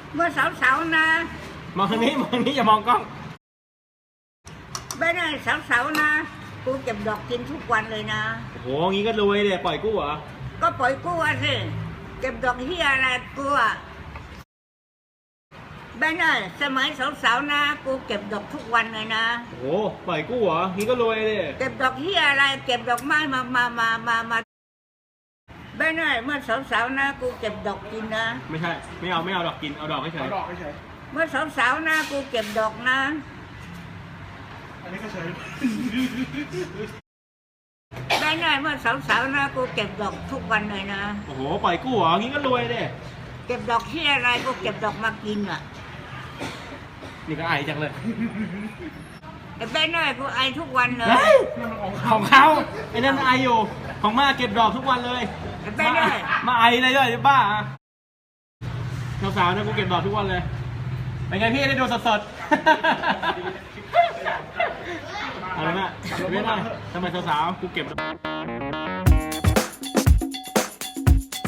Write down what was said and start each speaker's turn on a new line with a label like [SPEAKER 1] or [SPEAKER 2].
[SPEAKER 1] เมื่อสาวๆนะ
[SPEAKER 2] มองทางนี้อย่ามองกล้อง
[SPEAKER 1] ไม่ได้สาวๆนะกูเก็บดอกกินทุกวันเลยนะ
[SPEAKER 2] โอ้โหงี้ก็รวยเลยปล่อยกู้เหรอ
[SPEAKER 1] ก็ปล่อยกูอ่ะสิเก็บดอกเฮียอะไรกูอ่ะไม่ได้สมัยสาวๆนะกูเก็บดอกทุกวันเลยนะ
[SPEAKER 2] โอ้โหปล่อยกู้เหรองี้ก็รวยเลย
[SPEAKER 1] เก็บดอกเฮียอะไรเก็บดอกไม้มาไม่ได้เมื่อสาวๆนะกูเก็บดอกกินนะ
[SPEAKER 2] ไม่ใช่ไม่เอาดอกกินเอาดอกเฉย
[SPEAKER 1] เมื่อสาวๆนะกูเก็บดอกนะ
[SPEAKER 3] อันนี้ก็เฉย
[SPEAKER 1] ได้เมื่อสาวๆนะกูเก็บดอกทุกวันเลยนะ
[SPEAKER 2] โอ้โหปล่อยกู้เหรองี้ก็รวยเลย
[SPEAKER 1] เก็บดอกที่อะไรกูเก็บดอกมากินอ่ะ
[SPEAKER 2] นี่ก็ไอจังเลย
[SPEAKER 1] ได้กูไอทุกวันเลย
[SPEAKER 2] ของเขาไอ้นั่นไออยู่ของมาเก็บดอกทุกวันเลยมาไอเลยด้วยบ้าสาวๆนะกูเก็บดอกทุกวันเลยเป็นไงพี่ได้ดูสดอะไรนะเว้ยทำไมสาวๆกูเก็บ